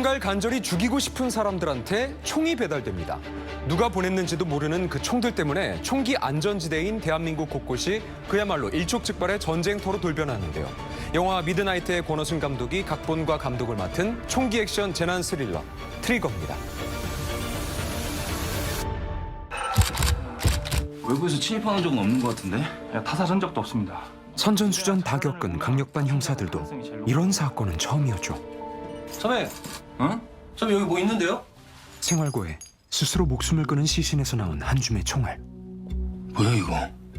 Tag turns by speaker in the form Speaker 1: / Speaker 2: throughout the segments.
Speaker 1: 누군가를 간절히 죽이고 싶은 사람들한테 총이 배달됩니다. 누가 보냈는지도 모르는 그 총들 때문에 총기 안전지대인 대한민국 곳곳이 그야말로 일촉즉발의 전쟁터로 돌변하는데요. 영화 미드나이트의 권오순 감독이 각본과 감독을 맡은 총기 액션 재난 스릴러 트리거입니다.
Speaker 2: 외부에서 침입하는 적은 없는 것 같은데?
Speaker 3: 타살 전적도 없습니다.
Speaker 1: 선전수전 다 겪은 강력반 형사들도 이런 사건은 처음이었죠.
Speaker 4: 선배,
Speaker 2: 응?
Speaker 4: 선배 여기 뭐 있는데요?
Speaker 1: 생활고에 스스로 목숨을 끊은 시신에서 나온 한 줌의 총알.
Speaker 2: 뭐야 이거?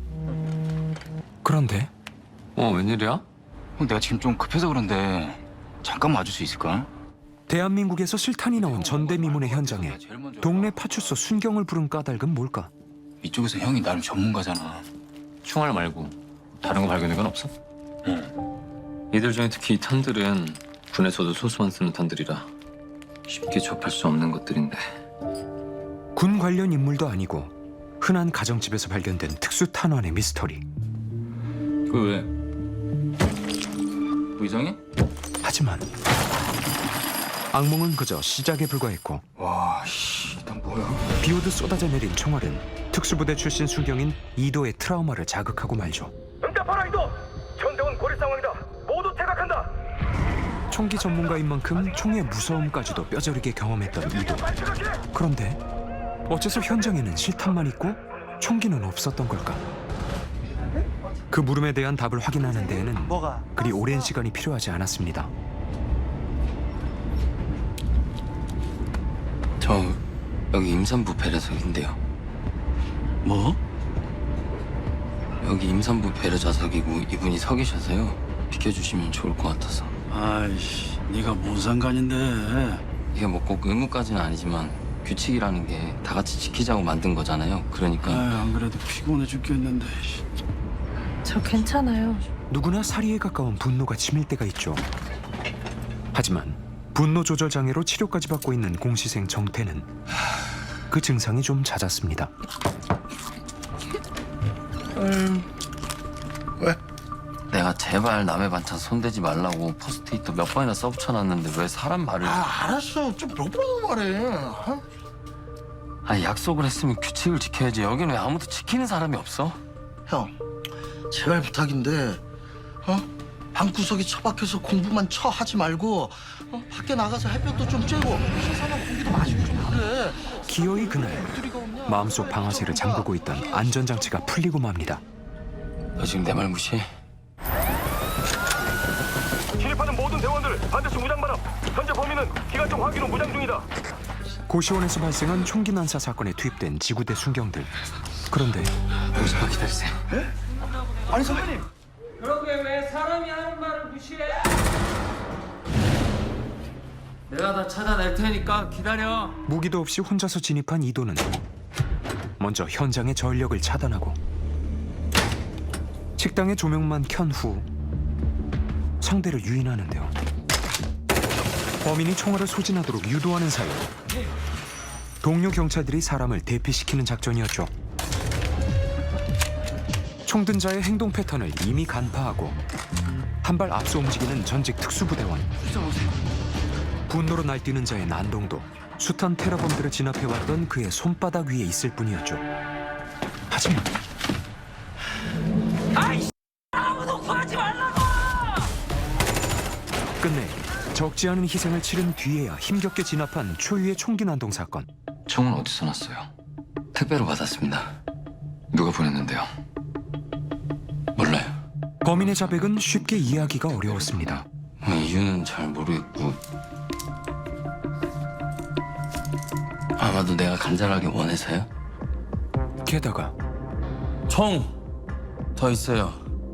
Speaker 1: 그런데
Speaker 2: 웬일이야? 형 내가 지금 좀 급해서 그런데 잠깐 와줄 수 있을까?
Speaker 1: 대한민국에서 실탄이 나온 전대미문의 현장에 동네 파출소 순경을 부른 까닭은 뭘까?
Speaker 2: 이쪽에서 형이 나름 전문가잖아.
Speaker 5: 총알 말고 다른 거 발견된 건 없어?
Speaker 2: 응.
Speaker 5: 이들 중에 특히 이 탄들은 군에서도 소수만 쓰는 탄들이라 쉽게 접할 수 없는 것들인데.
Speaker 1: 군 관련 인물도 아니고 흔한 가정집에서 발견된 특수 탄환의 미스터리.
Speaker 2: 그 왜? 뭐 이상해?
Speaker 1: 하지만 악몽은 그저 시작에 불과했고
Speaker 2: 와, 씨, 난 뭐야?
Speaker 1: 비오듯 쏟아져 내린 총알은 특수부대 출신 수경인 이도의 트라우마를 자극하고 말죠.
Speaker 3: 응답하라 이도! 현대원 고립 상황이다. 모두 퇴각한다.
Speaker 1: 총기 전문가인 만큼 총의 무서움까지도 뼈저리게 경험했던 이도. 그런데 어째서 현장에는 실탄만 있고 총기는 없었던 걸까? 그 물음에 대한 답을 확인하는 데에는 그리 오랜 시간이 필요하지 않았습니다.
Speaker 6: 저 여기 임산부 배려석인데요.
Speaker 2: 뭐?
Speaker 6: 여기 임산부 배려 좌석이고 이분이 서 계셔서요. 비켜주시면 좋을 것 같아서.
Speaker 7: 아이씨, 네가 뭔 상관인데?
Speaker 6: 이게 뭐 꼭 의무까지는 아니지만 규칙이라는 게 다 같이 지키자고 만든 거잖아요. 그러니까
Speaker 7: 안 그래도 피곤해 죽겠는데.
Speaker 8: 저 괜찮아요.
Speaker 1: 누구나 살이에 가까운 분노가 치밀 때가 있죠. 하지만 분노 조절 장애로 치료까지 받고 있는 공시생 정태는 그 증상이 좀 잦았습니다.
Speaker 6: 내가 제발 남의 반찬 손대지 말라고 포스트잇도 몇 번이나 써붙여놨는데 왜 사람 말을...
Speaker 9: 알았어. 좀 몇 번 말해. 어?
Speaker 6: 아니 약속을 했으면 규칙을 지켜야지. 여기는 왜 아무도 지키는 사람이 없어?
Speaker 9: 형, 제발 부탁인데, 방구석에 처박혀서 공부만 하지 말고, 밖에 나가서 햇볕도 좀 쬐고 신선한 공기도 마시고 좀 그래.
Speaker 1: 기어이 그날 마음속 방아쇠를 잠그고 있던 안전장치가 풀리고 맙니다.
Speaker 6: 너 지금 내 말 무시해?
Speaker 3: 진입하는 모든 대원들 반드시 무장 발업. 현재 범인은 기관총 확인 후 무장 중이다.
Speaker 1: 고시원에서 발생한 총기 난사 사건에 투입된 지구대 순경들. 그런데
Speaker 6: 여기서 기다리세요.
Speaker 9: 아니 선배님.
Speaker 4: 그러게 왜 사람이 하는 말을 무시해? 내가 다 찾아낼 테니까 기다려.
Speaker 1: 무기도 없이 혼자서 진입한 이도는 먼저 현장의 전력을 차단하고 식당의 조명만 켠 후 상대를 유인하는데요. 범인이 총알을 소진하도록 유도하는 사이 동료 경찰들이 사람을 대피시키는 작전이었죠. 총든 자의 행동 패턴을 이미 간파하고 한 발 앞서 움직이는 전직 특수부대원. 분노로 날뛰는 자의 난동도 숱한 테러범들을 진압해왔던 그의 손바닥 위에 있을 뿐이었죠. 하지만
Speaker 4: 아무도 구하지 말라고!
Speaker 1: 끝내 적지 않은 희생을 치른 뒤에야 힘겹게 진압한 초유의 총기 난동 사건.
Speaker 6: 총은 어디서 났어요? 택배로 받았습니다. 누가 보냈는데요? 몰라요.
Speaker 1: 범인의 자백은 쉽게 이해하기가 어려웠습니다.
Speaker 6: 이유는 잘 모르겠고 아마도 내가 간절하게 원해서요?
Speaker 1: 게다가
Speaker 6: 총! 더 있어요.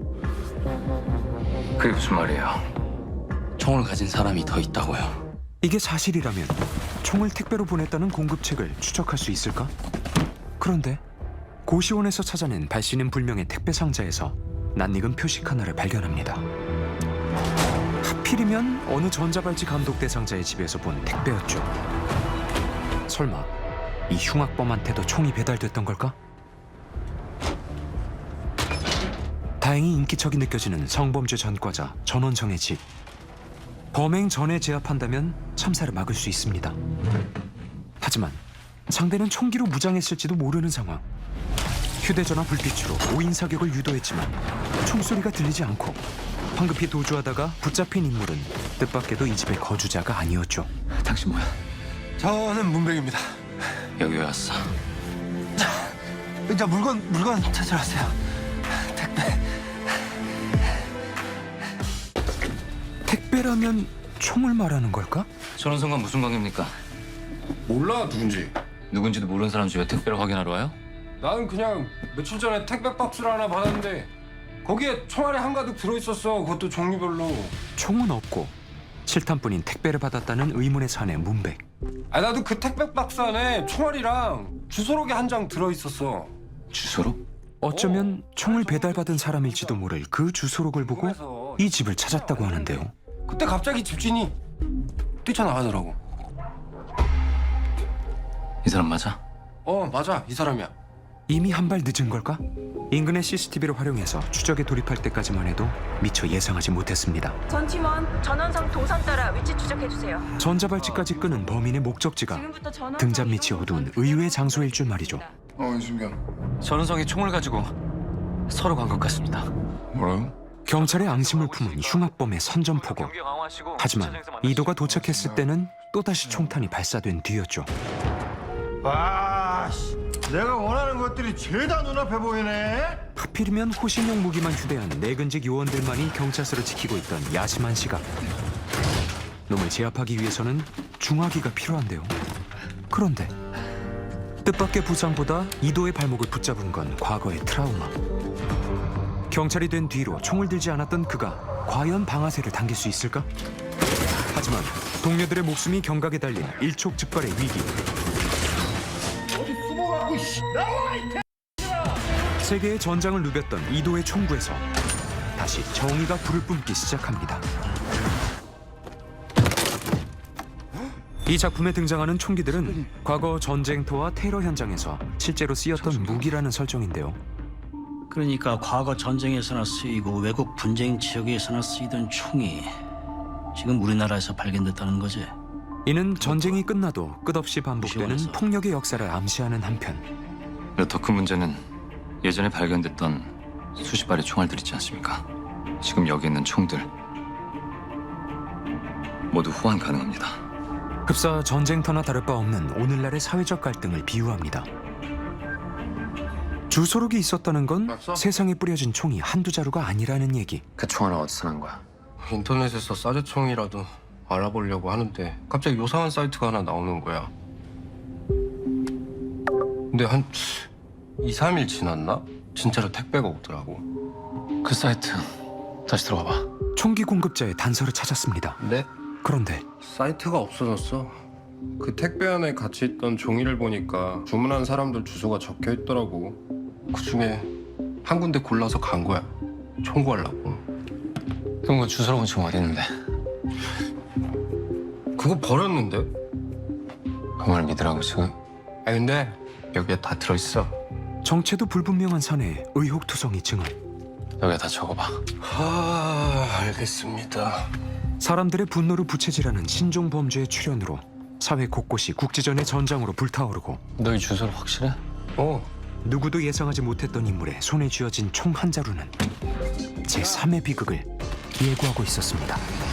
Speaker 5: 그게 무슨 말이에요?
Speaker 6: 총을 가진 사람이 더 있다고요.
Speaker 1: 이게 사실이라면 총을 택배로 보냈다는 공급책을 추적할 수 있을까? 그런데 고시원에서 찾아낸 발신인 불명의 택배 상자에서 낯익은 표식 하나를 발견합니다. 하필이면 어느 전자발찌 감독 대상자의 집에서 본 택배였죠. 설마 이 흉악범한테도 총이 배달됐던 걸까? 다행히 인기척이 느껴지는 성범죄 전과자 전원정의 집. 범행 전에 제압한다면 참사를 막을 수 있습니다. 하지만 상대는 총기로 무장했을지도 모르는 상황. 휴대전화 불빛으로 5인 사격을 유도했지만 총소리가 들리지 않고 황급히 도주하다가 붙잡힌 인물은 뜻밖에도 이 집의 거주자가 아니었죠.
Speaker 2: 당신 뭐야?
Speaker 10: 저는 문백입니다.
Speaker 2: 여기 왜 왔어?
Speaker 10: 저 물건 찾으러 왔어요.
Speaker 1: 택배라면 총을 말하는 걸까?
Speaker 2: 전원성과 무슨 관계입니까?
Speaker 10: 몰라 누군지.
Speaker 2: 누군지도 모르는 사람 집에 택배를 확인하러 와요?
Speaker 10: 나는 그냥 며칠 전에 택배 박스를 하나 받았는데 거기에 총알이 한가득 들어있었어. 그것도 종류별로.
Speaker 1: 총은 없고 실탄뿐인 택배를 받았다는 의문에 사내 문백.
Speaker 10: 나도 그 택배 박스 안에 총알이랑 주소록이 한 장 들어있었어.
Speaker 2: 주소록?
Speaker 1: 어쩌면 총을 배달받은 사람일지도 모를 그 주소록을 보고 이 집을 찾았다고 하는데요.
Speaker 10: 그때 갑자기 집주인이 뛰쳐나가더라고.
Speaker 2: 이 사람 맞아?
Speaker 10: 맞아. 이 사람이야.
Speaker 1: 이미 한 발 늦은 걸까? 인근의 CCTV를 활용해서 추적에 돌입할 때까지만 해도 미처 예상하지 못했습니다.
Speaker 8: 전 팀원 전원성 동선 따라 위치 추적해주세요.
Speaker 1: 전자발찌까지 끄는 범인의 목적지가
Speaker 8: 지금부터 전원성
Speaker 1: 등잔 밑이 어두운 의외의 장소일 줄 말이죠.
Speaker 10: 이순경.
Speaker 2: 전원성이 총을 가지고 서로 간 것 같습니다.
Speaker 10: 뭐라고?
Speaker 1: 경찰의 앙심을 품은 흉악범의 선전포고. 하지만 이도가 도착했을 때는 또다시 총탄이 발사된 뒤였죠.
Speaker 10: 내가 원하는 것들이 죄다 눈앞에 보이네.
Speaker 1: 하필이면 호신용 무기만 휴대한 내근직 요원들만이 경찰서를 지키고 있던 야심한 시각. 놈을 제압하기 위해서는 중화기가 필요한데요. 그런데 뜻밖의 부상보다 이도의 발목을 붙잡은 건 과거의 트라우마. 경찰이 된 뒤로 총을 들지 않았던 그가 과연 방아쇠를 당길 수 있을까? 하지만 동료들의 목숨이 경각에 달린 일촉즉발의 위기. 세계의 전장을 누볐던 이도의 총구에서 다시 정의가 불을 뿜기 시작합니다. 이 작품에 등장하는 총기들은 과거 전쟁터와 테러 현장에서 실제로 쓰였던 무기라는 설정인데요.
Speaker 7: 그러니까 과거 전쟁에서나 쓰이고 외국 분쟁 지역에서나 쓰이던 총이 지금 우리나라에서 발견됐다는 거지.
Speaker 1: 이는 전쟁이 끝나도 끝없이 반복되는 폭력의 역사를 암시하는 한편
Speaker 2: 더 큰 문제는 예전에 발견됐던 수십 발의 총알들 있지 않습니까? 지금 여기 있는 총들 모두 호환 가능합니다.
Speaker 1: 흡사 전쟁터나 다를 바 없는 오늘날의 사회적 갈등을 비유합니다. 주소록이 있었다는 건 세상에 뿌려진 총이 한두 자루가 아니라는 얘기.
Speaker 5: 그 총알은 어디서 난 거야?
Speaker 10: 인터넷에서 사제총이라도 알아보려고 하는데 갑자기 요상한 사이트가 하나 나오는 거야. 근데 한 2, 3일 지났나? 진짜로 택배가 오더라고.
Speaker 2: 그 사이트 다시 들어가 봐.
Speaker 1: 총기 공급자의 단서를 찾았습니다.
Speaker 10: 근데
Speaker 1: 그런데
Speaker 10: 사이트가 없어졌어. 그 택배 안에 같이 있던 종이를 보니까 주문한 사람들 주소가 적혀 있더라고. 그 중에 한 군데 골라서 간 거야. 청구하려고.
Speaker 2: 그럼 그 주소록은 지금 어디 있는데?
Speaker 10: 그거 버렸는데?
Speaker 2: 그 말 믿으라고 지금?
Speaker 10: 근데 여기에 다 들어있어.
Speaker 1: 정체도 불분명한 사내의 의혹투성이 증언.
Speaker 2: 여기다 다 적어봐.
Speaker 10: 알겠습니다.
Speaker 1: 사람들의 분노를 부채질하는 신종 범죄의 출현으로 사회 곳곳이 국지전의 전장으로 불타오르고
Speaker 2: 너희 주소록 확실해?
Speaker 1: 누구도 예상하지 못했던 인물의 손에 쥐어진 총 한 자루는 제3의 비극을 예고하고 있었습니다.